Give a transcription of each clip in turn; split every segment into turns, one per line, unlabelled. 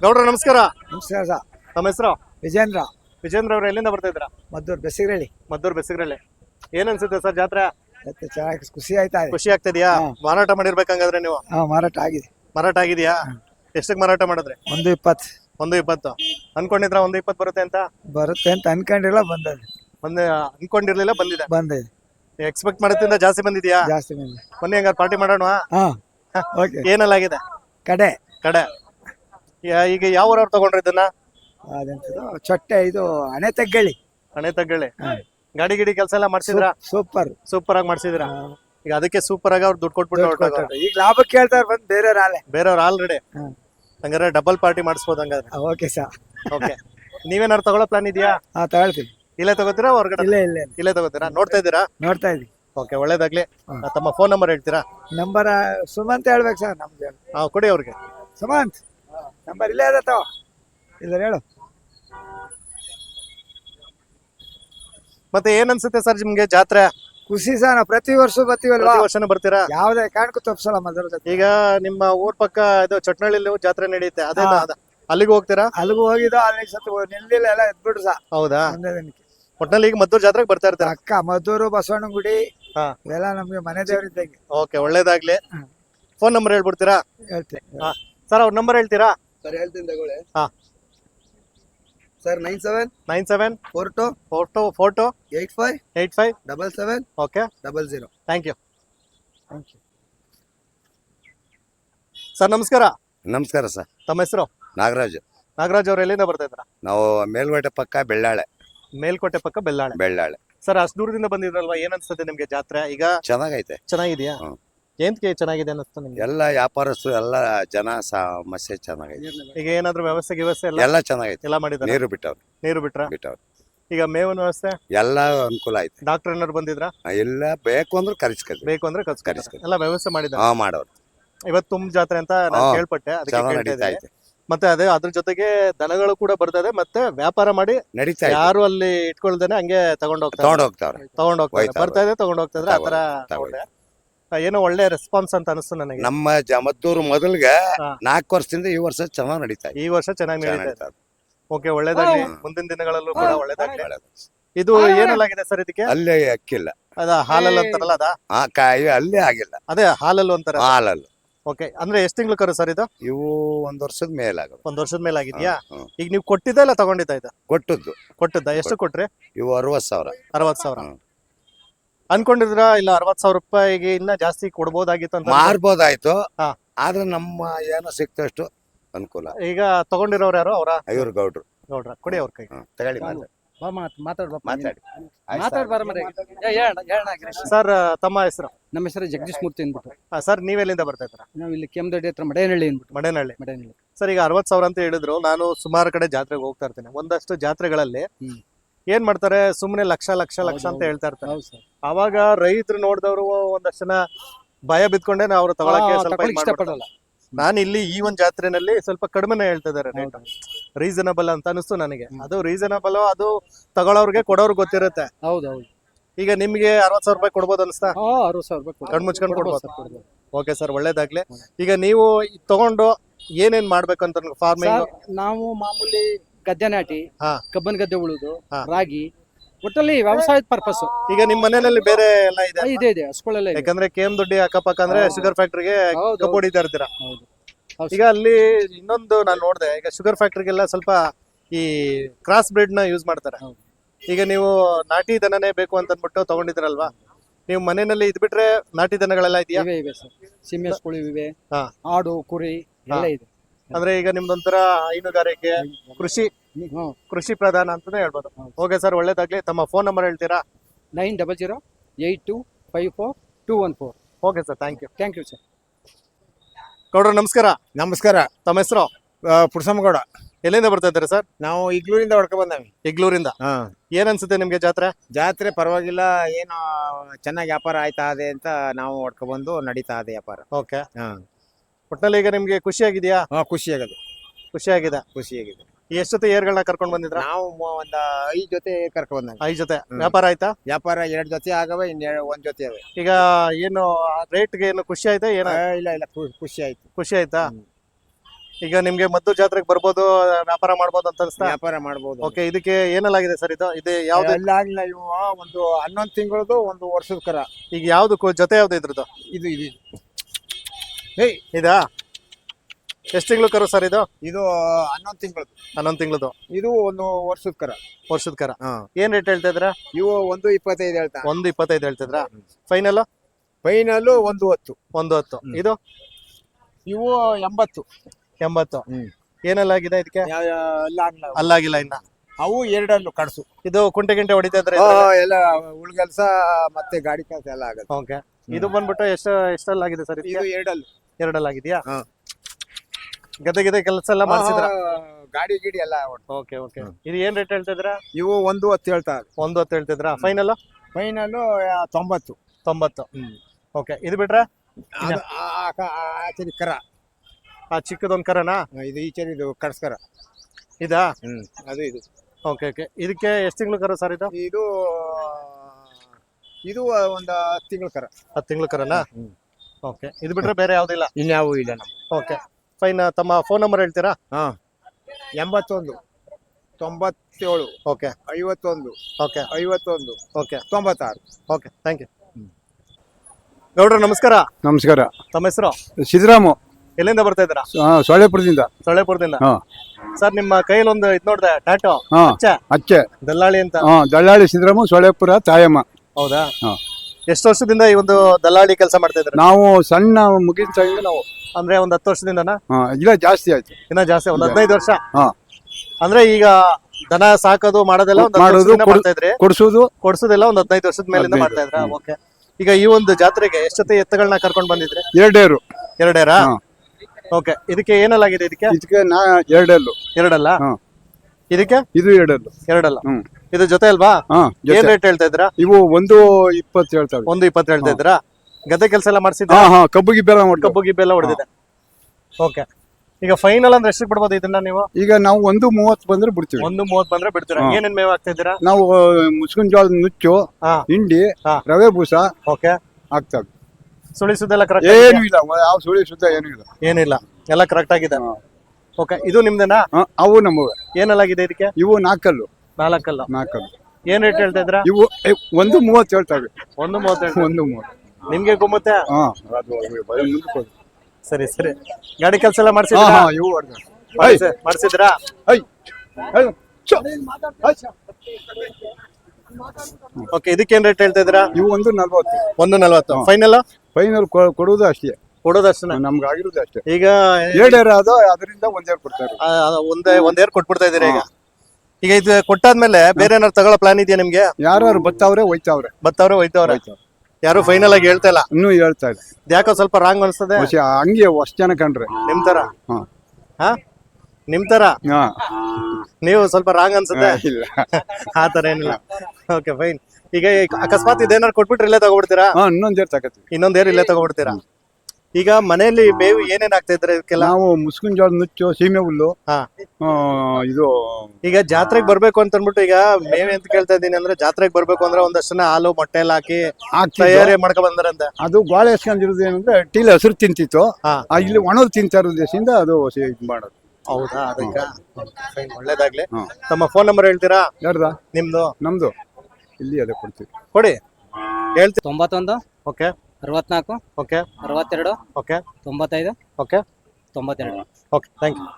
ಗೌಡ್ರ ನಮಸ್ಕಾರ.
ನಮಸ್ಕಾರ ಸರ್.
ತಮ್ಮ ಹೆಸರು?
ವಿಜೇಂದ್ರ.
ವಿಜೇಂದ್ರ ಅವ್ರ ಎಲ್ಲಿಂದ ಬರ್ತಾ ಇದ್ರ?
ಮದ್ದೂರು ಬೆಸಿಗ್ರಳ್ಳಿ.
ಮದ್ದೂರು ಬೆಸಗ್ರಳ್ಳಿ. ಏನ್ ಅನ್ಸುತ್ತೆ ಸರ್ ಜಾತ್ರೆ?
ಚೆನ್ನಾಗಿ ಖುಷಿ ಆಯ್ತಾ ಇದೆ.
ಖುಷಿ ಆಗ್ತಿದ್ಯಾ? ಮಾರಾಟ ಮಾಡಿರ್ಬೇಕಂಗಾದ್ರೆ ನೀವು?
ಮಾರಾಟ ಆಗಿದೆ.
ಮಾರಾಟ ಆಗಿದ್ಯಾ? ಎಷ್ಟಕ್ಕೆ ಮಾರಾಟ ಮಾಡಿದ್ರಿ?
120.
120 ಅನ್ಕೊಂಡಿದ್ರ? 120 ಬರುತ್ತೆ ಅಂತ?
ಬರುತ್ತೆ ಅಂತ ಅನ್ಕೊಂಡಿಲ್ಲ, ಬಂದದೆ.
ಅನ್ಕೊಂಡಿರ್ಲಿಲ್ಲ, ಬಂದಿದೆ.
ಬಂದಿದೆ.
ಎಕ್ಸ್ಪೆಕ್ಟ್ ಮಾಡೋದ್ರಿಂದ ಜಾಸ್ತಿ ಬಂದಿದ್ಯಾ?
ಜಾಸ್ತಿ ಬಂದಿದೆ.
ಬನ್ನಿ ಹಂಗಾರೆ ಪಾರ್ಟಿ ಮಾಡೋಣ.
ಓಕೆ.
ಏನೆಲ್ಲ ಆಗಿದೆ?
ಕಡೆ
ಈಗ ಯಾವ ಊರವ್ರು ತಗೊಂಡ್ರಿ ಇದನ್ನ?
ಅದೆಂತದು ಚೊಟ್ಟೆ, ಇದು ಹಣೆ ತೆಗ್ಗಳಿ.
ಹಣೆ ತಗ್ಗಳಿ. ಗಾಡಿ ಗಿಡಿ ಕೆಲಸ ಎಲ್ಲ ಮಾಡ್ಸಿದ್ರ?
ಸೂಪರ್
ಆಗಿ ಮಾಡ್ಸಿದ್ರ? ಈಗ ಅದಕ್ಕೆ ಸೂಪರ್ ಆಗಿ ಅವ್ರು ದುಡ್ಡು ಕೊಟ್ಬಿಟ್ಟು
ಈಗ ಲಾಭ ಕೇಳ್ತಾರೆ ಬಂದು
ಬೇರೆಯವ್ರು ಆಲ್ರೆಡಿ. ಹಂಗಾರೆ ಡಬಲ್ ಪಾರ್ಟಿ ಮಾಡಿಸ್ಬೋದು ಹಂಗಾದ್ರೆ.
Okay sir.
ಓಕೆ. ನೀವೇನಾದ್ರು ತಗೊಳ್ಳೋ ಪ್ಲಾನ್ ಇದೆಯಾ?
ತಗೊಳ್ತೀವಿ.
ಇಲ್ಲೇ ತಗೋತೀರಾ ಹೊರಗಡೆ? ಇಲ್ಲೇ ತಗೋತೀರಾ? ನೋಡ್ತಾ ಇದ್ದೀರಾ?
ನೋಡ್ತಾ ಇದ್ವಿ.
ಓಕೆ, ಒಳ್ಳೇದಾಗ್ಲಿ. ತಮ್ಮ ಫೋನ್ ನಂಬರ್ ಹೇಳ್ತೀರಾ?
ನಂಬರ್ ಸುಮಂತ್ ಹೇಳ್ಬೇಕು ಸರ್. ನಮ್ಗೆ
ಕೊಡಿ ಅವ್ರಿಗೆ.
ಸುಮಂತ್ ನಂಬರ್ ಇಲ್ಲೇ ಅದ, ಇಲ್ಲ ಹೇಳು.
ಮತ್ತೆ ಏನ್ ಅನ್ಸುತ್ತೆ ಸರ್ ನಿಮ್ಗೆ ಜಾತ್ರೆ?
ಖುಷಿ ಸರ್. ನಾವು ಪ್ರತಿ ವರ್ಷ ಬರ್ತೀವಲ್ವಾ?
ಪ್ರತಿ ವರ್ಷನೂ ಬರ್ತೀರಾ?
ಯಾವ್ದೇ ಕಾರಣಕ್ಕೂ ತಪ್ಸಲ್ಲ ಮದರ ಜೊತೆ.
ಈಗ ನಿಮ್ಮ ಊರ್ ಪಕ್ಕ ಇದು ಚಟ್ನಳ್ಳಿ ಜಾತ್ರೆ ನಡೆಯುತ್ತೆ, ಅದೇ ಅಲ್ಲಿಗೂ ಹೋಗ್ತೀರಾ?
ಅಲ್ಲಿಗೂ ಹೋಗಿದ್ದು, ಅಲ್ಲಿ ನಿಲ್ಲಿಲ್ಲ, ಎಲ್ಲ ಎದ್ಬಿಟ್ರು ಸರ್.
ಹೌದಾ? ಒಟ್ನಲ್ಲಿ ಈಗ ಮದ್ದೂರು ಜಾತ್ರೆಗೆ ಬರ್ತಾ ಇರ್ತಾರೆ?
ಅಕ್ಕ ಮದ್ದೂರು, ಬಸವಣ್ಣ ಗುಡಿ ಇವೆಲ್ಲ ನಮ್ಗೆ ಮನೆ ದೇವರಿದ್ದಂಗೆ.
ಓಕೆ, ಒಳ್ಳೇದಾಗ್ಲಿ. ಫೋನ್ ನಂಬರ್ ಹೇಳ್ಬಿಡ್ತೀರಾ?
ಹೇಳ್ತೀನಿ
ಸರ್. ಅವ್ರ ನಂಬರ್ ಹೇಳ್ತೀರಾ?
ಸರ್ ಹೇಳ್ತೀನಿ ತಗೊಳ್ಳಿ.
Sir 97
42
85
77
okay
00.
Thank you sir. ನಮಸ್ಕಾರ.
ನಮಸ್ಕಾರ ಸರ್.
ತಮ್ಮ ಹೆಸರು?
ನಾಗರಾಜ್.
ನಾಗರಾಜ್ ಅವ್ರು ಎಲ್ಲಿಂದ ಬರ್ತಾ ಇದ್ರ?
ನಾವು ಮೇಲ್ಕೋಟೆ ಪಕ್ಕ ಬೆಳ್ಳಾಳೆ.
ಮೇಲ್ಕೋಟೆ ಪಕ್ಕ ಬೆಳ್ಳಾಳೆ. ಸರ್, ಅಷ್ಟು ದೂರದಿಂದ ಬಂದಿದ್ರಲ್ವಾ, ಏನ್ ಅನ್ಸುತ್ತೆ ನಿಮ್ಗೆ ಜಾತ್ರೆ? ಈಗ
ಚೆನ್ನಾಗೈತೆ.
ಚೆನ್ನಾಗಿದ್ಯಾ? ಏನ್ಕೆ ಚೆನ್ನಾಗಿದೆ ಅನ್ನಿಸ್ತು ನಿಮ್ಗೆ?
ಎಲ್ಲ ವ್ಯಾಪಾರಸ್ಥರು, ಎಲ್ಲ ಜನ ಸಮಸ್ಯೆ ಚೆನ್ನಾಗೈತೆ.
ಈಗ ಏನಾದ್ರು ವ್ಯವಸ್ಥೆ
ಎಲ್ಲ ಚೆನ್ನಾಗೈತೆ.
ಎಲ್ಲ ಮಾಡಿದ್ದಾರೆ?
ನೀರು ಬಿಟ್ಟವ್ರು.
ಈಗ ಮೇವಿನ ವ್ಯವಸ್ಥೆ
ಎಲ್ಲ ಅನುಕೂಲ ಐತೆ.
ಡಾಕ್ಟರ್ ಏನಾದ್ರು ಬಂದಿದ್ರಾ?
ಎಲ್ಲ ಬೇಕು ಅಂದ್ರೆ ಕರಿಸ್ಕೊಳ್ರಿ.
ಬೇಕು ಅಂದ್ರೆ ಕರ್ಸ್ಕೊಳ್ರಿ. ಎಲ್ಲ ವ್ಯವಸ್ಥೆ ಮಾಡಿದ್ದಾರೆ?
ಮಾಡೋರು.
ಇವತ್ತು ತುಂಬ ಜಾತ್ರೆ ಅಂತ ನಾನು ಕೇಳ್ಪಟ್ಟೆ, ಅದಕ್ಕೆ ಮತ್ತೆ ಅದ್ರ ಜೊತೆಗೆ ದನಗಳು ಕೂಡ ಬರ್ತದೆ, ಮತ್ತೆ ವ್ಯಾಪಾರ ಮಾಡಿ
ನಡೀತಾ
ಯಾರು ಅಲ್ಲಿ ಇಟ್ಕೊಳ್ದೇನೆ ಹಂಗೆ ತಗೊಂಡ್ ಹೋಗ್ತಾರೆ. ಬರ್ತಾ ಇದೆ, ತಗೊಂಡ್ ಹೋಗ್ತಿದ್ರೆ. ಆತರ ಏನೋ ಒಳ್ಳೆ ರೆಸ್ಪಾನ್ಸ್ ಅಂತ ಅನಿಸ್ತು ನನಗೆ.
ನಮ್ಮ ಮದ್ದೂರು ಮೊದಲಿಗೆ 4 ವರ್ಷದಿಂದ ಈ ವರ್ಷ ಚೆನ್ನಾಗಿ ನಡೀತಾ ಇದೆ.
ಈ ವರ್ಷ ಚೆನ್ನಾಗಿ ನಡೀತಾ ಇದೆ. ಓಕೆ, ಒಳ್ಳೇದಾಗ್ಲಿ. ಮುಂದಿನ ದಿನಗಳಲ್ಲೂ ಕೂಡ ಒಳ್ಳೇದಾಗ್ಲಿ. ಇದು ಏನೆಲ್ಲಾಗಿದೆ ಸರ್ ಇದಕ್ಕೆ?
ಅಲ್ಲೇ ಅಕ್ಕಿಲ್ಲ.
ಅದ ಹಾಲಲ್ಲಿ ಅಂತಾರಲ್ಲ,
ಅಲ್ಲೇ ಆಗಿಲ್ಲ.
ಅದೇ ಹಾಲಲ್ಲು ಅಂತಾರೆ.
ಹಾಲಲ್ಲು.
ಓಕೆ, ಅಂದ್ರೆ ಎಷ್ಟು ತಿಂಗಳು ಕರು ಸರ್ ಇದು?
ಇವು 1 ವರ್ಷದ ಮೇಲಾಗ.
1 ವರ್ಷದ ಮೇಲೆ ಆಗಿದ್ಯಾ? ಈಗ ನೀವು ಕೊಟ್ಟಿದ್ದ ಇಲ್ಲ ತಗೊಂಡಿದ್ದ? ಇದು ಕೊಟ್ಟದ್ದ. ಎಷ್ಟು ಕೊಟ್ರಿ?
ಇವು 60,000.
60,000 ಅನ್ಕೊಂಡಿದ್ರ? ಇಲ್ಲ 60,000 ರೂಪಾಯಿಗೆ ಇನ್ನ ಜಾಸ್ತಿ ಕೊಡ್ಬೋದಾಗಿತ್ತು ಅಂತ
ಮಾರ್ಬೋದಾಯ್ತು. ಆದ್ರೆ ನಮ್ಮ ಏನೋ ಸಿಕ್ತಷ್ಟು ಅನುಕೂಲ.
ಈಗ ತಗೊಂಡಿರೋರು ಯಾರು? ಅವರ
ಇವ್ರು ಗೌಡ್ರ.
ಕೊಡಿ ಅವ್ರ ಕೈ.
ತಗೊಳ್ಳಿ,
ಸರ್. ತಮ್ಮ ಹೆಸರು?
ನಮ್ಮ ಹೆಸರು ಜಗದೀಶ್ ಮೂರ್ತಿ ಅಂದ್ಬಿಟ್ಟು.
ಸರ್, ನೀವೆಲ್ಲಿಂದ ಬರ್ತಾ ಇದ್ರ?
ನಾವು ಇಲ್ಲಿ ಕೆಮ್ಮದೊಡ್ಡಿ ಹತ್ರ ಮಡೇನಹಳ್ಳಿ ಅಂದ್ಬಿಟ್ಟು.
ಮಡೇನಹಳ್ಳಿ. ಸರ್, ಈಗ 60,000 ಅಂತ ಹೇಳಿದ್ರು. ನಾನು ಸುಮಾರು ಕಡೆ ಜಾತ್ರೆಗೆ ಹೋಗ್ತಾ ಇರ್ತೇನೆ. ಒಂದಷ್ಟು ಜಾತ್ರೆಗಳಲ್ಲಿ ಏನ್ ಮಾಡ್ತಾರೆ, ಸುಮ್ನೆ ಲಕ್ಷ ಅಂತ ಹೇಳ್ತಾ ಇರ್ತಾರೆ. ಅವಾಗ ರೈತರು ನೋಡಿದವರು ಒಂದಷ್ಟು ಜನ ಭಯ ಬಿದ್ಕೊಂಡೆ ಅವ್ರು ತಗೊಳಕ್ಕೆ ಸ್ವಲ್ಪ ಇಷ್ಟಪಡಲ್ಲ. ನಾನು ಇಲ್ಲಿ ಈ ಒಂದು ಜಾತ್ರೆನಲ್ಲಿ ಸ್ವಲ್ಪ ಕಡಿಮೆನೆ ಹೇಳ್ತಾ ಇದಾರೆ ರೇಟ್. ರೀಸನಬಲ್ ಅಂತ ಅನಿಸ್ತು ನನಗೆ. ಅದು ರೀಸನಬಲ್, ಅದು ತಗೊಳ್ಳೋರ್ಗೆ ಕೊಡೋರ್ಗೆ ಗೊತ್ತಿರುತ್ತೆ.
ಹೌದೌದು.
ಈಗ ನಿಮ್ಗೆ 60,000 ರೂಪಾಯಿ ಕೊಡ್ಬೋದು ಅನಿಸ್ತಾ?
60,000 ರೂಪಾಯಿ
ಕಣ್ಮುಚ್ಕೊಂಡು ಕೊಡ್ಬೋದು. ಓಕೆ ಸರ್, ಒಳ್ಳೇದಾಗ್ಲಿ. ಈಗ ನೀವು ತಗೊಂಡು ಏನೇನ್ ಮಾಡ್ಬೇಕಂತ ಫಾರ್ಮಿಂಗ್?
ನಾವು ಮಾಮೂಲಿ ಗದ್ದೆ ನಾಟಿ, ಕಬ್ಬನ್ ಗದ್ದೆ ಉಳುದು, ರಾಗಿ, ಒಟ್ಟಲ್ಲಿ ವ್ಯವಸಾಯದ ಪರ್ಪಸ್.
ಈಗ ನಿಮ್ ಮನೆಯಲ್ಲಿ ಬೇರೆ ಎಲ್ಲ
ಇದೆ ಹಸುಗಳೆಲ್ಲ.
ಯಾಕಂದ್ರೆ ಕೆಮ್ಮದೊಡ್ಡಿ ಅಕ್ಕಪಕ್ಕ ಅಂದ್ರೆ ಶುಗರ್ ಫ್ಯಾಕ್ಟ್ರಿಗೆ ಕಬ್ಬು ಹೊಡಿತಾ ಇರ್ತೀರಾ. ಈಗ ಅಲ್ಲಿ ಇನ್ನೊಂದು ನಾನು ನೋಡಿದೆ, ಈಗ ಶುಗರ್ ಫ್ಯಾಕ್ಟ್ರಿಗೆಲ್ಲ ಸ್ವಲ್ಪ ಈ ಕ್ರಾಸ್ ಬ್ರೀಡ್ ನ ಯೂಸ್ ಮಾಡ್ತಾರೆ. ಈಗ ನೀವು ನಾಟಿ ದನನೇ ಬೇಕು ಅಂತ ಅಂದ್ಬಿಟ್ಟು ತಗೊಂಡಿದ್ರಲ್ವಾ, ನೀವು ಮನೆಯಲ್ಲಿ ಇದ್ಬಿಟ್ರೆ ನಾಟಿ ದನಗಳೆಲ್ಲ ಇದೆಯಾ?
ಇವೆ ಸರ್. ಸೀಮೆ ಹಸುಗಳು ಇವೆ, ಆಡು ಕುರಿ ಎಲ್ಲ ಇದೆ.
ಅಂದ್ರೆ ಈಗ ನಿಮ್ದೊಂಥರ ಹೈನುಗಾರಿಕೆ, ಕೃಷಿ ಪ್ರಧಾನ ಅಂತಾನೆ ಹೇಳ್ಬೋದು. ಓಕೆ ಸರ್, ಒಳ್ಳೇದಾಗ್ಲಿ. ತಮ್ಮ ಫೋನ್ ನಂಬರ್ ಹೇಳ್ತೀರಾ?
9008254214.
Okay sir, thank
you sir.
ಗೌಡ್ರ ನಮಸ್ಕಾರ.
ನಮಸ್ಕಾರ.
ತಮ್ಮ ಹೆಸರು?
ಪುರುಷಮ್ಮಗೌಡ.
ಎಲ್ಲಿಂದ ಬರ್ತಾ ಇದ್ದಾರೆ ಸರ್?
ನಾವು ಇಗ್ಲೂರಿಂದ ಹೊಡ್ಕೊ ಬಂದಾವಿ.
ಇಗ್ಲೂರಿಂದ. ಏನ್ ಅನ್ಸುತ್ತೆ ನಿಮ್ಗೆ ಜಾತ್ರೆ?
ಪರವಾಗಿಲ್ಲ, ಏನು ಚೆನ್ನಾಗಿ ವ್ಯಾಪಾರ ಆಯ್ತಾ ಇದೆ ಅಂತ ನಾವು ಹೊಡ್ಕೊ ಬಂದು ನಡೀತಾ ಇದೆ ವ್ಯಾಪಾರ.
ಓಕೆ. ಒಟ್ನಲ್ಲಿ ಈಗ ನಿಮ್ಗೆ ಖುಷಿ ಆಗಿದೆಯಾ? ಖುಷಿಯಾಗಿದೆ. ಎಷ್ಟು ಜೊತೆ ಏರ್ಗಳನ್ನ ಕರ್ಕೊಂಡ್ ಬಂದಿದ್ರ?
ನಾವು ಒಂದ್ 5 ಜೊತೆ ಕರ್ಕೊಂಡ್ ಬಂದ.
5 ಜೊತೆ. ವ್ಯಾಪಾರ ಆಯ್ತಾ?
ವ್ಯಾಪಾರ 2 ಜೊತೆ ಆಗವೆ, 1 ಜೊತೆ ಅವೆ.
ಈಗ ಏನು ರೇಟ್ಗೆ ಏನು ಖುಷಿ ಆಯ್ತಾ? ಇಲ್ಲ,
ಖುಷಿ ಆಯ್ತು.
ಖುಷಿ ಆಯ್ತಾ? ಈಗ ನಿಮ್ಗೆ ಮದ್ದು ಜಾತ್ರೆಗೆ ಬರ್ಬೋದು, ವ್ಯಾಪಾರ ಮಾಡ್ಬೋದು ಅಂತ ಅನ್ಸ್ತಾ?
ವ್ಯಾಪಾರ ಮಾಡ್ಬೋದು.
ಓಕೆ, ಇದಕ್ಕೆ ಏನೆಲ್ಲಾಗಿದೆ ಸರ್ ಇದು ಯಾವ್ದು?
ಎಲ್ಲ ಆಗಿಲ್ಲ ಇವು ಒಂದು 11 ತಿಂಗಳದು, ಒಂದು ವರ್ಷದ ಕರ.
ಈಗ ಯಾವ್ದು ಜೊತೆ ಯಾವ್ದು ಇದ್ರದ್ದು?
ಇದು ಇದು
ಇದಾ? ಎಷ್ಟು ತಿಂಗಳು ಕರು ಸರ್ ಇದು?
ಇದು 11 ತಿಂಗಳದು.
11 ತಿಂಗಳದು.
ಇದು ಒಂದು ವರ್ಷದ ಕರ.
ವರ್ಷದ ಕರ. ಏನ್ ರೇಟ್ ಹೇಳ್ತಾ ಇದ್ರ?
ಇವು 1.25 ಹೇಳ್ತಾ.
1.25 ಹೇಳ್ತಿದ್ರ? ಫೈನಲ್?
ಫೈನಲ್ 1.10.
1.10. ಇದು
ಇವು 80.
80. ಏನೆಲ್ಲಾಗಿದೆ ಇದಕ್ಕೆ? ಅಲ್ಲಾಗಿಲ್ಲ ಇನ್ನ.
ಅವು 2 ಕಡಸು.
ಇದು ಕುಂಟೆ ಗಿಂಟೆ ಹೊಡಿತಾ ಇದ್ರೆ?
ಎಲ್ಲ ಉಳ್ಗೆಲ್ಸ ಮತ್ತೆ ಗಾಡಿ ಕೆಲಸ ಎಲ್ಲ ಆಗುತ್ತೆ.
ಓಕೆ, ಇದು ಬಂದ್ಬಿಟ್ಟು ಎಷ್ಟಲ್ಲಾಗಿದೆ ಸರ್?
ಇದು 2
2 ಗದೆ ಕೆಲಸ ಎಲ್ಲ ಮಾಡಿಸಿದ್ರ?
ಗಾಡಿ ಗಿಡಿ ಎಲ್ಲ.
Okay okay. ಇದು ಏನ್ ರೇಟ್ ಹೇಳ್ತಿದ್ರ?
ಇವು 1.10 ಹೇಳ್ತಾರೆ.
1.10 ಹೇಳ್ತಿದ್ರ? ಫೈನಲ್?
ಫೈನಲ್ 90.
90. ಓಕೆ, ಇದು ಬಿಟ್ರೆ
ಆಚರಿ ಕರ.
ಆ ಚಿಕ್ಕದೊಂದ್ ಕರನಾ?
ಇದು ಈಚರಿ ಇದು ಕರ್ಸ್ಕರ.
ಇದಾ?
ಅದು ಇದು.
Okay okay. ಇದಕ್ಕೆ ಎಷ್ಟು ತಿಂಗಳು ಕರ ಸರ್ ಇದು?
ಇದು ಒಂದು 10 ತಿಂಗಳ ಕರ.
10 ತಿಂಗಳು ಕರನಾ? ಓಕೆ, ಇದು ಬಿಟ್ರೆ ಬೇರೆ ಯಾವ್ದಿಲ್ಲ?
ಇನ್ಯಾವು ಇಲ್ಲ ನಮ್ಗೆ.
Okay fine. ತಮ್ಮ ಫೋನ್ ನಂಬರ್ ಹೇಳ್ತೀರಾ?
81 97
okay
51
okay
51
okay
96.
Okay, thank you. ಗೌಡ್ರ ನಮಸ್ಕಾರ.
ನಮಸ್ಕಾರ.
ತಮ್ಮ ಹೆಸರು?
ಸಿದ್ದರಾಮು.
ಎಲ್ಲಿಂದ ಬರ್ತಾ ಇದ್ದೀರಾ?
ಸೊಳ್ಳೆಪುರದಿಂದ.
ಸೊಳ್ಳೆಪುರದಿಂದ.
ಹಾ.
ಸರ್, ನಿಮ್ಮ ಕೈಯಲ್ಲಿ ಒಂದು ಇದು ನೋಡ್ದೆ, ಟ್ಯಾಟೋ
ಹಾ.
ಅಚ್ಚೆ
ಅಚ್ಚೆ
ದಲ್ಲಾಳಿ ಅಂತ.
ದಳ್ಳಾಳಿ ಸಿದ್ದರಾಮು, ಸೊಳ್ಳೆಪುರ ತಾಯಮ್ಮ.
ಹೌದಾ?
ಹಾ.
ಎಷ್ಟು ವರ್ಷದಿಂದ ಈ ಒಂದು ದಲ್ಲಾಳಿ ಕೆಲಸ ಮಾಡ್ತಾ ಇದ್ರಿ?
ನಾವು ಸಣ್ಣ ಮುಗಿದ ನಾವು
ಅಂದ್ರೆ ಒಂದ್ 10 ವರ್ಷದಿಂದನಾ?
ಇಲ್ಲ, ಜಾಸ್ತಿ ಆಯ್ತು.
ಇನ್ನ ಜಾಸ್ತಿ, ಒಂದ್ 15 ವರ್ಷ.
ಹಾ.
ಅಂದ್ರೆ ಈಗ ದನ ಸಾಕೋದು ಮಾಡೋದೆಲ್ಲ ಒಂದ್
ಮಾಡೋದು,
ಮಾಡ್ತಾ ಇದ್ರಿ,
ಕೊಡ್ಸೋದು
ಕೊಡ್ಸೋದೆಲ್ಲ ಒಂದ್ 15 ವರ್ಷದ ಮೇಲಿಂದ ಮಾಡ್ತಾ ಇದ್ರ? ಓಕೆ. ಈಗ ಈ ಒಂದು ಜಾತ್ರೆಗೆ ಎಷ್ಟೊತ್ತೆ ಎತ್ತುಗಳನ್ನ ಕರ್ಕೊಂಡ್ ಬಂದಿದ್ರಿ?
2
ಎರಡೇರಾ? ಓಕೆ. ಇದಕ್ಕೆ ಏನೆಲ್ಲಾಗಿದೆ? ಇದಕ್ಕೆ
ಎರಡಲ್ಲು.
ಎರಡಲ್ಲ? ಇದಕ್ಕೆ
ಇದು
ಎರಡಲ್ಲ. ಇದು ಜೊತೆ ಅಲ್ವಾ? ಏನ್ ರೇಟ್ ಹೇಳ್ತಾ ಇದ್ರಾ?
ಇವು 1.20 ಹೇಳ್ತಾವೆ.
1.20 ಹೇಳ್ತಾ ಇದ್ರಾ? ಗದ್ದೆ ಕೆಲಸ ಎಲ್ಲ ಮಾಡಿಸಿದ್ರ?
ಕಬ್ಬು
ಗಿಬ್ಬೆಲ್ಲ ಹೊಡೆದಿದೆ. ಓಕೆ. ಈಗ ಫೈನಲ್ ಅಂದ್ರೆ ಎಷ್ಟು ಬಿಡ್ಬೋದು ಇದನ್ನ ನೀವು?
ಈಗ ನಾವು 1.30 ಬಂದ್ರೆ ಬಿಡ್ತೀವಿ.
1.30 ಬಂದ್ರೆ ಬಿಡ್ತೀರಾ? ಏನೇನ್ ಮೇವ್ ಹಾಕ್ತಾ ಇದ್ದೀರಾ?
ನಾವು ಮುಸ್ಕಿನ ಜೋಳದ ನುಚ್ಚು, ಹಿಂಡಿ, ರವೆ ಬೂಸ
ಓಕೆ
ಹಾಕ್ತಾವೆ.
ಸುಳಿಸುದೆಲ್ಲ ಕರೆಕ್ಟ್?
ಏನು ಇಲ್ಲ, ಯಾವ ಸುಳಿ ಸುತ್ತ ಏನು ಇಲ್ಲ.
ಏನಿಲ್ಲ, ಎಲ್ಲ ಕರೆಕ್ಟ್ ಆಗಿದೆ. ಓಕೆ. ಇದು ನಿಮ್ದೇನಾ?
ಅವು ನಮ್ಮವೆ.
ಏನೆಲ್ಲಾಗಿದೆ ಇದಕ್ಕೆ?
ಇವು 4
4 ಏನ್ ರೇಟ್ ಹೇಳ್ತಾ ಇದ್ರ?
ಇವು 1.30 ಹೇಳ್ತಾವೆ.
1.30.
1.30
ನಿಮ್ಗೆ ಗೊಮ್ಮತ್ತೆ? ಸರಿ ಸರಿ. ಗಾಡಿ ಕೆಲಸ ಎಲ್ಲ ಮಾಡಿಸಿದ್ರಾ? ಓಕೆ. ಇದಕ್ಕೆ ಏನ್ ರೇಟ್ ಹೇಳ್ತಾ ಇದ್ದೀರಾ?
ಇವು 1.40.
1.40. ಫೈನಲ್
ಕೊಡುವುದು ಅಷ್ಟೇ,
ಕೊಡೋದಷ್ಟೇ
ನಮ್ಗೆ ಆಗಿರೋದು ಅಷ್ಟೇ.
ಈಗ
2 ಅದರಿಂದ 1 ಕೊಡ್ತಾರೆ.
ಒಂದೇರ್ ಕೊಟ್ಬಿಡ್ತಾ ಇದೀರ ಈಗ. ಈಗ ಇದು ಕೊಟ್ಟಾದ್ಮೇಲೆ ಬೇರೆ ಏನಾರು ತಗೊಳ್ಳೋ ಪ್ಲಾನ್ ಇದೆಯಾ ನಿಮ್ಗೆ?
ಯಾರು ಬತ್ತವ್ರೆ
ಹೋಯ್ತವ್ರೆ ಯಾರು ಫೈನಲ್ ಆಗಿ ಹೇಳ್ತಾ ಇಲ್ಲ?
ಇನ್ನೂ ಹೇಳ್ತಾ ಇಲ್ಲ.
ಯಾಕೋ ಸ್ವಲ್ಪ ರಾಂಗ್ ಅನ್ಸ್ತದೆ.
ಹಂಗೆ ಅಷ್ಟು ಜನ ಕಂಡ್ರೆ
ನಿಮ್ ತರ. ನಿಮ್ ತರ ನೀವು ಸ್ವಲ್ಪ ರಾಂಗ್ ಅನ್ಸುತ್ತೆ.
ಇಲ್ಲ,
ಆ ತರ ಏನಿಲ್ಲ. Okay fine. ಈಗ ಅಕಸ್ಮಾತ್ ಇದೇನಾರು ಕೊಟ್ಬಿಟ್ರೆ ಇಲ್ಲೇ ತಗೊಬಿಡ್ತೀರಾ?
ಇನ್ನೊಂದೇರ್ ತಗತ್ತೀವಿ.
ಇನ್ನೊಂದೇರ್ ಇಲ್ಲೇ ತಗೊಬಿಡ್ತೀರಾ? ಈಗ ಮನೆಯಲ್ಲಿ ಬೇವು ಏನೇನ್ ಆಗ್ತಾ ಇದ್ರೆ ಇದಕ್ಕೆಲ್ಲ?
ನಾವು ಮುಸ್ಕಿನ ಜೋಳದ ನುಚ್ಚು, ಸೀಮೆ ಹುಲ್ಲು. ಇದು
ಈಗ ಜಾತ್ರೆಗೆ ಬರ್ಬೇಕು ಅಂತ ಅನ್ಬಿಟ್ಟು, ಈಗ ಮೇವೆ ಅಂತ ಕೇಳ್ತಾ ಇದ್ದೀನಿ ಅಂದ್ರೆ, ಜಾತ್ರೆಗೆ ಬರ್ಬೇಕು ಅಂದ್ರೆ ಒಂದಷ್ಟು ಜನ ಹಾಲು ಮೊಟ್ಟೆ ಎಲ್ಲ ಹಾಕಿ ತಯಾರಿ ಮಾಡ್ಕೊ ಬಂದಾರಂತೆ.
ಅದು ಗೋಳೆ ಎಸ್ಕೊಂಡಿರೋದು ಏನಂದ್ರೆ ಟೀಲ್ ಹಸಿರು ತಿಂತಿತ್ತು, ಇಲ್ಲಿ ಒಣದು ತಿಂತಾ ಇರೋ ದೇಶದಿಂದ ಅದು ಇದು ಮಾಡೋದು.
ಹೌದಾ? ಅದಕ್ಕೆ ಒಳ್ಳೇದಾಗ್ಲಿ. ತಮ್ಮ ಫೋನ್ ನಂಬರ್ ಹೇಳ್ತೀರಾ?
ಯಾರ್ದ?
ನಿಮ್ದು?
ನಮ್ದು ಇಲ್ಲಿ ಅದೇ ಕೊಡ್ತೀವಿ.
ಕೊಡಿ, ಹೇಳ್ತೀವಿ.
91
okay
64
okay
62
okay
95
okay
92.
Okay, thank you.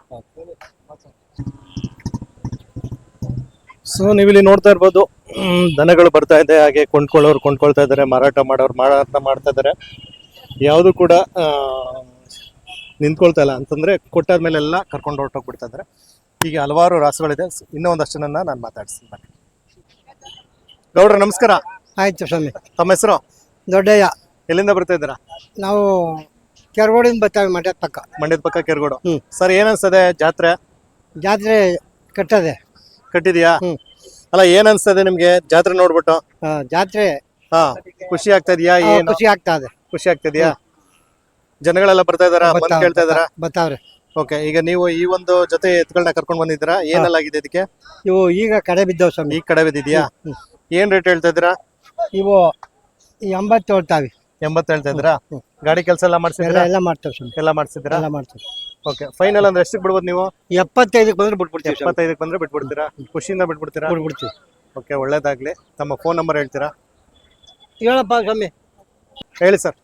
So ನೀವಿಲ್ಲಿ ನೋಡ್ತಾ ಇರ್ಬೋದು, ದನಗಳು ಬರ್ತಾ ಇದೆ, ಹಾಗೆ ಕೊಂಡ್ಕೊಳ್ಳೋರು ಕೊಂಡ್ಕೊಳ್ತಾ ಇದ್ದಾರೆ, ಮಾರಾಟ ಮಾಡೋರು ಮಾರಾಟ ಮಾಡ್ತಾ ಇದ್ದಾರೆ. ಯಾವುದು ಕೂಡ ನಿಂತ್ಕೊಳ್ತಾ ಇಲ್ಲ. ಅಂತಂದ್ರೆ ಕೊಟ್ಟಾದ್ಮೇಲೆ ಎಲ್ಲ ಕರ್ಕೊಂಡು ಹೊರಟೋಗ್ಬಿಡ್ತಾ ಇದ್ದಾರೆ. ಹೀಗೆ ಹಲವಾರು ರಾಸುಗಳಿದೆ. ಇನ್ನೂ ಒಂದಷ್ಟು ಜನ ನಾನು ಮಾತಾಡ್ತೀನಿ. ಗೌಡ್ರ ನಮಸ್ಕಾರ.
ಆಯ್ತು ಸ್ವಾಮಿ.
ತಮ್ಮ ಹೆಸರು?
ದೊಡ್ಡಯ್ಯ.
ಎಲ್ಲಿಂದ ಬರ್ತಾ ಇದ್ದೀರಾ?
ನಾವು ಕೆರಗೋಡಿಂದ ಬರ್ತಾವೆ, ಮಂಡ್ಯದ ಪಕ್ಕ.
ಮಂಡ್ಯದ ಪಕ್ಕ ಕೆರಗೋಡು. ಸರ್, ಏನ್ ಅನ್ಸ್ತದೆ ಜಾತ್ರೆ?
ಜಾತ್ರೆ
ಕಟ್ಟಿದ್ಯಾ? ಅಲ್ಲ, ಏನ್ ಅನ್ಸ್ತದೆ ನಿಮ್ಗೆ ಜಾತ್ರೆ ನೋಡ್ಬಿಟ್ಟು?
ಜಾತ್ರೆ
ಖುಷಿ ಆಗ್ತಾ ಇದೆಯಾ? ಏನು
ಖುಷಿ ಆಗ್ತಾ ಇದೆ.
ಖುಷಿ ಆಗ್ತಿದ್ಯಾ? ಜನಗಳೆಲ್ಲ ಬರ್ತಾ ಇದಾರ, ಬಂದ್ ಕೇಳ್ತಾ ಇದಾರ?
ಬರ್ತಾವ್ರೆ.
ಓಕೆ. ಈಗ ನೀವು ಈ ಒಂದು ಜೊತೆ ಎತ್ಗಳನ್ನ ಕರ್ಕೊಂಡ್ ಬಂದಿದ್ದೀರಾ? ಏನೆಲ್ಲಾಗಿದೆ ಇದಕ್ಕೆ?
ಇವು ಈಗ ಕಡೆ ಬಿದ್ದವ್ ಸ್ವಾಮಿ.
ಈಗ ಕಡೆ ಬಿದ್ದಿದ್ಯಾ? ಏನ್ ರೇಟ್ ಹೇಳ್ತಾ ಇದ್ದೀರಾ?
ಇವು 80 ಹೇಳ್ತಾವೆ.
80 ಹೇಳ್ತಾ ಇದ್ದೀರಾ? ಗಾಡಿ ಕೆಲಸ ಎಲ್ಲ ಮಾಡ್ಸಿದ್ರಾ?
ಎಲ್ಲ ಮಾಡ್ತೇವೆ ಸ್ವಾಮಿ.
ಎಲ್ಲ ಮಾಡ್ಸಿದ್ರಾ?
ಎಲ್ಲ ಮಾಡ್ತೇವೆ.
ಓಕೆ ಫೈನಲ್ ಅಂದ್ರೆ ಎಷ್ಟಕ್ಕೆ ಬಿಡ್ಬೋದು ನೀವು
75 ಬಂದ್ರೆ ಬಿಟ್ಬಿಡ್ತೀವಿ ಸ್ವಾಮಿ.
75 ಬಂದ್ರೆ ಬಿಟ್ಬಿಡ್ತೀರಾ ಖುಷಿಯಿಂದ ಬಿಟ್ಬಿಡ್ತೀರಾ
ಬಿಟ್ಬಿಡ್ತೀವಿ.
ಓಕೆ ಒಳ್ಳೇದಾಗ್ಲಿ ತಮ್ಮ ಫೋನ್ ನಂಬರ್ ಹೇಳ್ತೀರಾ
ಹೇಳಪ್ಪ ಸ್ವಾಮಿ.
ಹೇಳಿ sir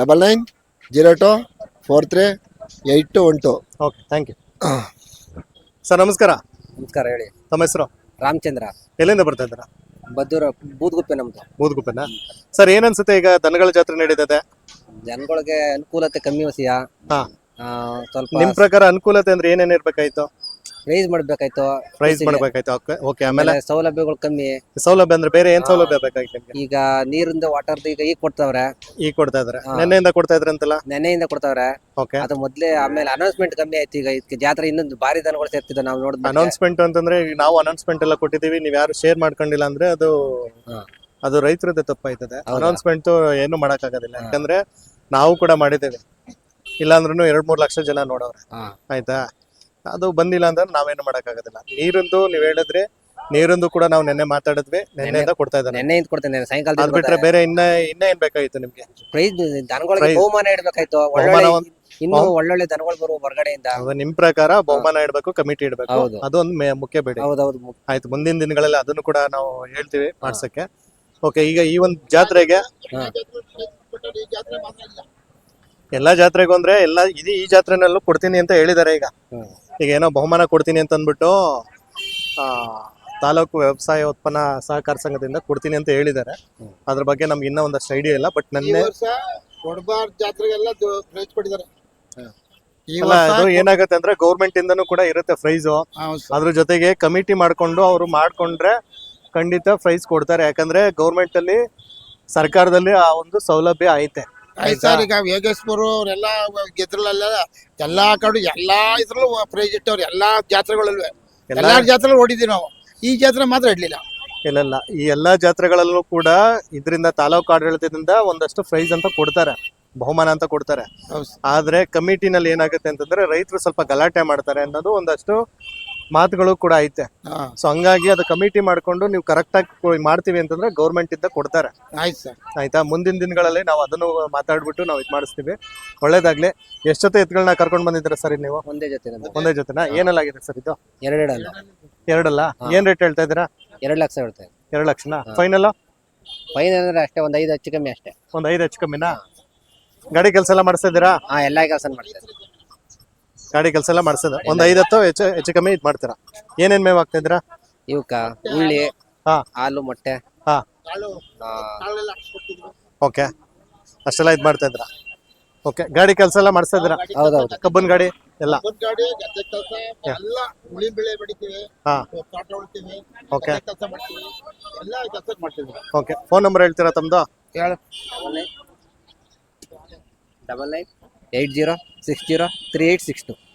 9902438212.
Okay thank you sir ನಮಸ್ಕಾರ
ನಮಸ್ಕಾರ ಹೇಳಿ.
ತಮ್ಮ ಹೆಸರು
ರಾಮಚಂದ್ರ,
ಎಲ್ಲಿಂದ ಬರ್ತಾ ಇದ್ದೀರಾ
ಬದ್ದೂರ ಬೂದ್ಗುಪ್ಪೆ ನಮ್ದು.
ಬೂದ್ಗುಪ್ಪೆನಾ ಸರ್ ಏನನ್ಸುತ್ತೆ ಈಗ ದನಗಳ ಜಾತ್ರೆ ನಡೀತದೆ
ಜನಗಳಿಗೆ ಅನುಕೂಲತೆ ಕಮ್ಮಿ ವಸಿಯ
ಹಾ.
ಸ್ವಲ್ಪ
ನಿಮ್ ಪ್ರಕಾರ ಅನುಕೂಲತೆ ಅಂದ್ರೆ ಏನೇನ್ ಇರ್ಬೇಕಾಯ್ತು
ರೈಸ್ ಮಾಡ್ಬೇಕಾಯ್ತು.
ಪ್ರೈಸ್ ಮಾಡ್ಬೇಕಾಯ್ತು ಓಕೆ ಆಮೇಲೆ
ಸೌಲಭ್ಯಗಳು ಕಮ್ಮಿ.
ಸೌಲಭ್ಯ ಅಂದ್ರೆ ಬೇರೆ ಏನ್ ಸೌಲಭ್ಯ ಬೇಕಾಗಿತ್ತು ನಿಮ್ಗೆ
ಈಗ ನೀರಿಂದ ವಾಟರ್ದು ಈಗ ಕೊಡ್ತಾವ್ರೆ.
ಈಗ ಕೊಡ್ತಾ ಇದಾರೆ ನೆನ್ನೆಯಿಂದ ಕೊಡ್ತಾ ಇದ್ರೆ ಅಂತಲ್ಲ
ನೆನೆಯಿಂದ ಕೊಡ್ತಾವ್ರೆ.
ಓಕೆ
ಅದು ಮೊದ್ಲೇ ಆಮೇಲೆ ಅನೌನ್ಸ್ಮೆಂಟ್ ಕಮ್ಮಿ ಆಯ್ತು. ಈಗ ಇದಕ್ಕೆ ಜಾತ್ರೆ ಇನ್ನೊಂದು ಭಾರಿ ದನಗಳು ಸೇರ್ತಿದ್ದ ನಾವು ನೋಡಿದ್ವಿ.
ಅನೌನ್ಸ್ಮೆಂಟ್ ಅಂತಂದ್ರೆ ಈಗ ನಾವು ಅನೌನ್ಸ್ಮೆಂಟ್ ಎಲ್ಲ ಕೊಟ್ಟಿದೀವಿ ನೀವ್ ಯಾರು ಶೇರ್ ಮಾಡ್ಕೊಂಡಿಲ್ಲ ಅಂದ್ರೆ ಅದು
ಹಾ.
ಅದು ರೈತರದ್ದೇ ತಪ್ಪಾಯ್ತದೆ
ಹೌದಾ?
ಅನೌನ್ಸ್ಮೆಂಟ್ ಏನು ಮಾಡಕ್ ಆಗೋದಿಲ್ಲ ಯಾಕಂದ್ರೆ ನಾವು ಕೂಡ ಮಾಡಿದ್ದೇವೆ ಇಲ್ಲಾಂದ್ರೂ 2-3 ಲಕ್ಷ ಜನ ನೋಡವ್ರೆ ಆಯ್ತಾ ಅದು ಬಂದಿಲ್ಲ ಅಂದ್ರೆ ನಾವೇನು ಮಾಡಕ್ ಆಗೋದಿಲ್ಲ ನೀರಿಂದು ನೀವ್ ಹೇಳಿದ್ರಿ ನೀರಿಂದು ಕೂಡ ನಾವು ನೆನ್ನೆ ಮಾತಾಡಿದ್ವಿ ನೆನ್ನೆಯಿಂದ ಕೊಡ್ತಾ ಇದ್ದಾರೆ
ನೆನ್ನೆಯಿಂದ ಕೊಡ್ತೇನೆ
ಅದ್
ಸಾಯಂಕಾಲ
ಬಿಟ್ರೆ ಬೇರೆ ಇನ್ನ ಏನ್ ಬೇಕಾಗಿತ್ತು ನಿಮ್ಗೆ
ಪ್ರೈಸ್ ದನಗಳಿಗೆ
Prize.
ಬಹುಮಾನ ಇಡ್ಬೇಕಾಯ್ತು.
ಬಹುಮಾನ
ಇನ್ನು ಒಳ್ಳೊಳ್ಳೆ ದನಗಳು ಬರುವ ಹೊರಗಡೆಯಿಂದ.
ಅದು ನಿಮ್ ಪ್ರಕಾರ ಬಹುಮಾನ ಇಡ್ಬೇಕು ಕಮಿಟಿ ಇಡ್ಬೇಕು
ಹೌದು.
ಅದೊಂದು ಮುಖ್ಯ ಬೇಡಿ
ಹೌದೌದು.
ಆಯ್ತು ಮುಂದಿನ ದಿನಗಳಲ್ಲಿ ಅದನ್ನು ಕೂಡ ನಾವು ಹೇಳ್ತೀವಿ ಮಾಡ್ಸಕ್ಕೆ ಓಕೆ ಈಗ ಈ ಒಂದು ಜಾತ್ರೆಗೆ ಎಲ್ಲಾ ಜಾತ್ರೆಗೂ ಅಂದ್ರೆ ಎಲ್ಲಾ ಈ ಜಾತ್ರೆನಲ್ಲೂ ಕೊಡ್ತೀನಿ ಅಂತ ಹೇಳಿದಾರೆ ಈಗ ಈಗ ಏನೋ ಬಹುಮಾನ ಕೊಡ್ತೀನಿ ಅಂತ ಅಂದ್ಬಿಟ್ಟು ತಾಲೂಕು ವ್ಯವಸಾಯ ಉತ್ಪನ್ನ ಸಹಕಾರ ಸಂಘದಿಂದ ಕೊಡ್ತೀನಿ ಅಂತ ಹೇಳಿದ್ದಾರೆ ಅದ್ರ ಬಗ್ಗೆ ನಮ್ಗೆ ಇನ್ನೂ ಒಂದಷ್ಟು ಐಡಿಯಾ ಇಲ್ಲ ಬಟ್ ನನ್ನ
ಜಾತ್ರೆಗೆಲ್ಲ ಪ್ರೈಸ್ ಕೊಟ್ಟಿದ್ದಾರೆ.
ಅಲ್ಲ ಅದು ಏನಾಗುತ್ತೆ ಅಂದ್ರೆ ಗೌರ್ಮೆಂಟ್ ಇಂದನೂ ಕೂಡ ಇರುತ್ತೆ ಪ್ರೈಸ್ ಅದ್ರ ಜೊತೆಗೆ ಕಮಿಟಿ ಮಾಡ್ಕೊಂಡು ಅವ್ರು ಮಾಡ್ಕೊಂಡ್ರೆ ಖಂಡಿತ ಪ್ರೈಸ್ ಕೊಡ್ತಾರೆ ಯಾಕಂದ್ರೆ ಗೌರ್ಮೆಂಟ್ ಅಲ್ಲಿ ಸರ್ಕಾರದಲ್ಲಿ ಆ ಒಂದು ಸೌಲಭ್ಯ ಐತೆ
ಸರ್ ಈಗ ವೇಗೇಶ್ಪುರ ಅವರೆಲ್ಲ ಗೆದ್ರಲ್ಲ ಎಲ್ಲಾ ಕಡೆ ಎಲ್ಲಾ ಇದ್ರಲ್ಲೂ ಪ್ರೈಸ್ ಇಟ್ಟವ್ರು ಎಲ್ಲಾ ಜಾತ್ರೆಗಳಲ್ವೇ ಎಲ್ಲಾ ಜಾತ್ರೆ ಓಡಿದ್ವಿ ನಾವು. ಈ ಜಾತ್ರೆ ಮಾತ್ರ ಇಡ್ಲಿಲ್ಲ.
ಇಲ್ಲ ಈ ಎಲ್ಲಾ ಜಾತ್ರೆಗಳಲ್ಲೂ ಕೂಡ ಇದರಿಂದ ತಾಲೂಕು ಆಡಳಿತದಿಂದ ಒಂದಷ್ಟು ಪ್ರೈಸ್ ಅಂತ ಕೊಡ್ತಾರೆ ಬಹುಮಾನ ಅಂತ ಕೊಡ್ತಾರೆ ಆದ್ರೆ ಕಮಿಟಿನಲ್ಲಿ ಏನಾಗುತ್ತೆ ಅಂತಂದ್ರೆ ರೈತರು ಸ್ವಲ್ಪ ಗಲಾಟೆ ಮಾಡ್ತಾರೆ ಅನ್ನೋದು ಒಂದಷ್ಟು ಮಾತುಗಳು ಕೂಡ ಐತೆ ಸೊ ಹಂಗಾಗಿ ಅದು ಕಮಿಟಿ ಮಾಡ್ಕೊಂಡು ನೀವು ಕರೆಕ್ಟ್ ಆಗಿ ಮಾಡ್ತೀವಿ ಅಂತಂದ್ರೆ ಗೌರ್ಮೆಂಟ್ ಇಂದ ಕೊಡ್ತಾರೆ
ಆಯ್ತು ಸರ್
ಆಯ್ತಾ ಮುಂದಿನ ದಿನಗಳಲ್ಲಿ ನಾವು ಅದನ್ನು ಮಾತಾಡ್ಬಿಟ್ಟು ನಾವು ಇದು ಮಾಡಿಸ್ತೀವಿ ಒಳ್ಳೇದಾಗ್ಲಿ ಎಷ್ಟು ಜೊತೆ ಎತ್ತುಗಳನ್ನ ಕರ್ಕೊಂಡು ಬಂದಿದ್ದೀರಾ ಸರ್ ನೀವು
ಒಂದೇ ಜೊತೆ ನಮ್ದು.
ಒಂದೇ ಜೊತೆನಾ ಏನೆಲ್ಲಾಗಿದೆ ಸರ್ ಇದು
ಎರಡೆರಡಲ್ಲ
ಎರಡಲ್ಲ ಏನ್ ರೇಟ್ ಹೇಳ್ತಾ ಇದ್ದೀರಾ
2 ಲಕ್ಷ ಹೇಳ್ತೇವೆ.
2 ಲಕ್ಷನಾ ಫೈನಲ್
ಫೈನ್ ಅಂದ್ರೆ ಅಷ್ಟೇ ಒಂದ್ 5 ಹೆಚ್ಚು ಕಮ್ಮಿ ಅಷ್ಟೇ.
ಒಂದ್ 5 ಹೆಚ್ಚು ಕಮ್ಮಿನಾ ಗಾಡಿ ಕೆಲಸ ಎಲ್ಲ ಮಾಡಿಸ್ತಾ ಇದ್ದೀರಾ
ಎಲ್ಲಾ ಕೆಲಸ ಮಾಡ್ತೇವೆ.
ಗಾಡಿ ಕೆಲಸ ಎಲ್ಲ ಮಾಡಿಸ್ತದ ಒಂದ್ 5-10 ಹೆಚ್ಚು ಕಮ್ಮಿ ಇದು ಮಾಡ್ತೀರಾ ಏನೇನ್ ಮೇವ್ ಆಗ್ತಾ ಇದ್ದೀರಾ
ಇವಕ್ಕ ಉಳ್ಳಿ,
ಹಾ.
ಹಾಲು, ಮೊಟ್ಟೆ.
ಹಾ.
ಆ,
ಓಕೆ ಅಷ್ಟೆಲ್ಲ ಇದು ಮಾಡ್ತಾ ಇದ್ದೀರಾ ಓಕೆ ಗಾಡಿ ಕೆಲಸ ಎಲ್ಲ ಮಾಡಿಸ್ತಾ ಇದ್ದೀರಾ
ಹೌದೌದು.
ಕಬ್ಬನ್ ಗಾಡಿ ಎಲ್ಲ
ಗಾಡಿ ಗದ್ದೆ ಕೆಲಸ ಎಲ್ಲ ಉಳಿ ಬೆಳೆ ಬೆಳಿತೀವಿ
ಹಾ
ತೋಟ ಉಳ್ತೀವಿ
ಓಕೆ
ಕೆಲಸ ಮಾಡ್ತೀವಿ ಎಲ್ಲ ಕೆಲಸ ಮಾಡ್ತೀವಿ.
ಓಕೆ ಫೋನ್ ನಂಬರ್ ಹೇಳ್ತೀರಾ ತಮ್ಮದು
99 80 60 3862.